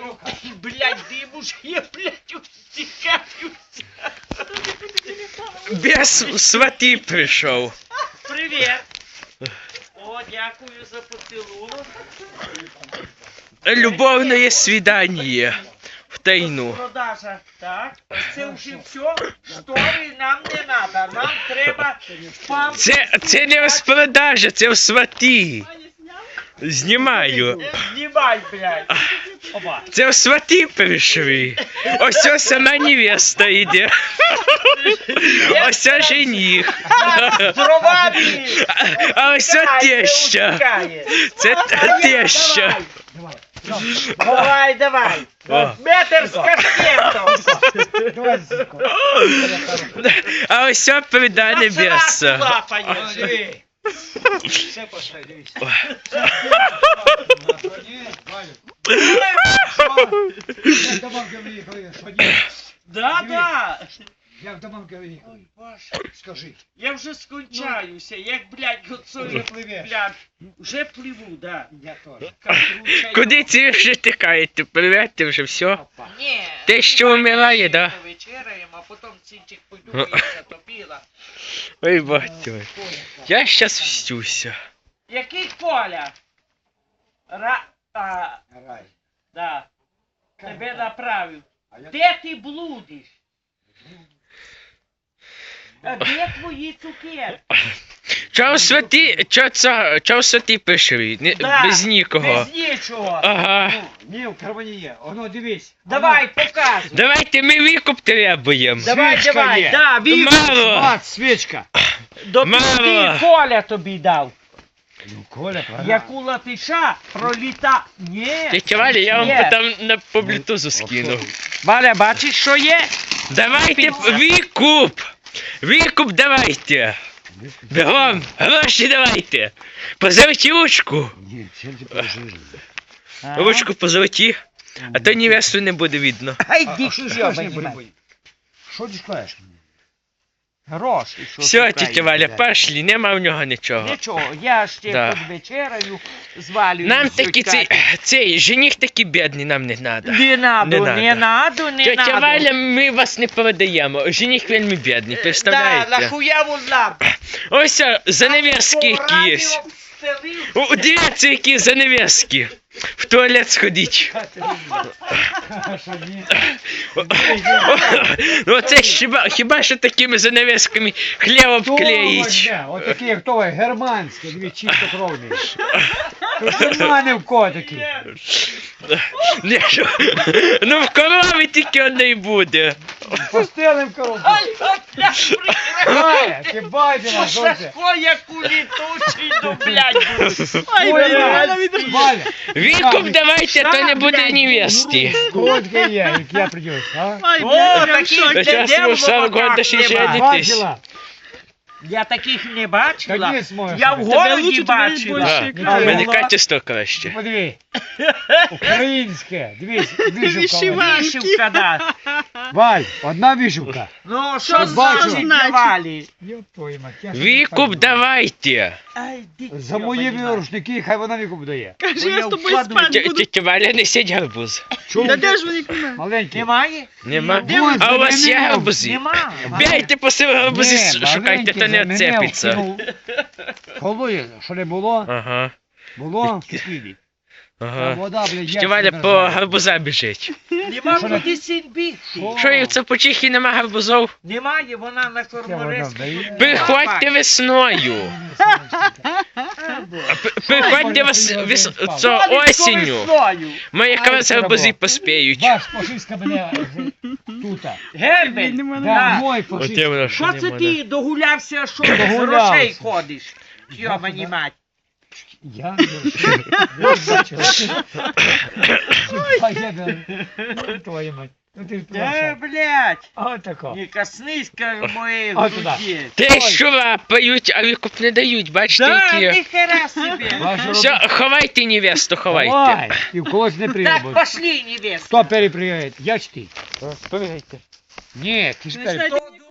Блядь, димушки, блядь, устікаються. Без свати прийшов. Привіт. О, дякую за поцілунок. Любовне свідання. В тайну. Продажа, так. Це вже все. Штори нам не треба. Нам треба пам... Це не розпродажа, це в свати. Знімаю. Знімай, блядь. Опа. Це в свати прийшли. Ось ось сама невеста йде. Ось ось жених. Здоровані. А ось ось теща. Це теща. Давай, давай. О. Метр з каскетом. А ось ось прида небеса. Лапаєш. Все пошли, дивись. Як до мамки виїхали, ходіть. Да. Як до мамки виїхали, Ой, Боже. скажи. Я вже скончаюся, як, блядь, Вже гоцою, пливеш. блядь. Вже пливу, да. Я теж. Катруча, Куди ці вже тикаєте? Привет, вже все? Ні. Те, що вмирає, да? Вечеряємо, а потім цінчик пойду, я топіла. Ой, батько. Я щас встюся. Який Коля? Рай. Да. Тебе направив. А я Де ти блудиш? А де твої цукерки? Чого в свати прийшли? Да, Без нікого. Без нічого. Ага. Ні, в кармані є. Оно, дивись. Давай, показуй. Давайте ми викуп требуємо. Давай, свічка давай. є. Да, він Мало. От, свічка. до Мало. пізди Коля тобі дав. Ну, Коля, правда. Яку латиша проліта. Ні. Тетя Валя, я вам Є. потім по блютузу скину. Валя, бачиш, що є? Давайте викуп. Викуп давайте. Бігом, гроші давайте. Позовіть ручку. Ні, сельці положили. Ручку позовіть, а то невесту не буде видно. Ай, А дік що ж йобаний не буде? мать. Що ти шукаєш? Гроші, що Все, шукаєш, тетя Валя, блядь. пошли, нема в нього нічого. Нічого, я ще Да. тут вечераю, звалюю. Нам всю такі катю. цей жених такий бідний, нам не треба. Не надо, Не не надо, не Тетя надо. Валя, ми вас не продаємо. Жених вельми бідний, Да, представляєте? нахуя вон нам? Ось занавески які є. О, дивіться, які занавески. В туалет сходіть. Що ні? Ну це хіба що такими занавесками хліб обклеїть. Отакі, як той, германські, дві чистокровні. Тут нема ні в кого такі. Ні, що? Ну в корови тільки одне буде. Пустили в коробку. Валя, ти бачила, що це? Шашко, як у літучий, ну, блядь, Валя, Валя, Викуп давайте, то не буде невести. сколько є, як я придешь, а? О, таких Та щас де ви 40 років ще нема. не- Бачила? Я таких не бачила. Та ні, зможеш. Я в Тебе городі бачила. А, в мене качество краще. Подиви. Українське. Дивись, вишивка. Вишивка, да. Валь, одна вишивка. Ну, що Ти бачила? значить давали? Ёб твою мать, я ж Викуп не пойму. давайте. Ай, діть, За мої йобаний рушники, хай вона викуп дає. Кажи, я з тобою вкладу- спати буду. Тетя Валя, несіть гарбуз. Чому? Та де ж вони куме? Маленький. Немає? Нема? Вон, А у вас є нема. гарбузи? Нема. Бейте по себе гарбузи, Ні, шукайте, маленький то не за мене отцепиться. вкинув. Колує, що не було? Ага, Було в кисліві. ага. Вода, блядь, Тетя Валя по гарбуза біжить. Нема Що не- куди сін бігти. Що? Що, і в Цапочихі нема гарбузов? Немає, вона на Це вода Корморезькій. вдає. Приходьте весною. Приходьте осінню. Ми якраз гарбузи поспіють. Ваш фашистка мене тута. Гербель, Нема, Да, да. мой Оте фашист. воно Що це ти догулявся, що без Догулявся. грошей ходиш? Йомані мать. Я не бачила. Поїду. Ну, твою мать. Ну ти ж Е, туди. блядь, Отако. не коснись моєї От туди. груді. Те, що лапають, а викуп не дають, бачите, Да, які. ніхера собі. Все, ховайте невесту, ховайте. Давай. І в когось не прийде. Так, пошли, невеста. Хто переприяє? Я чи ти? Спригайте. Ні, ти ж Не переприяє. знаю,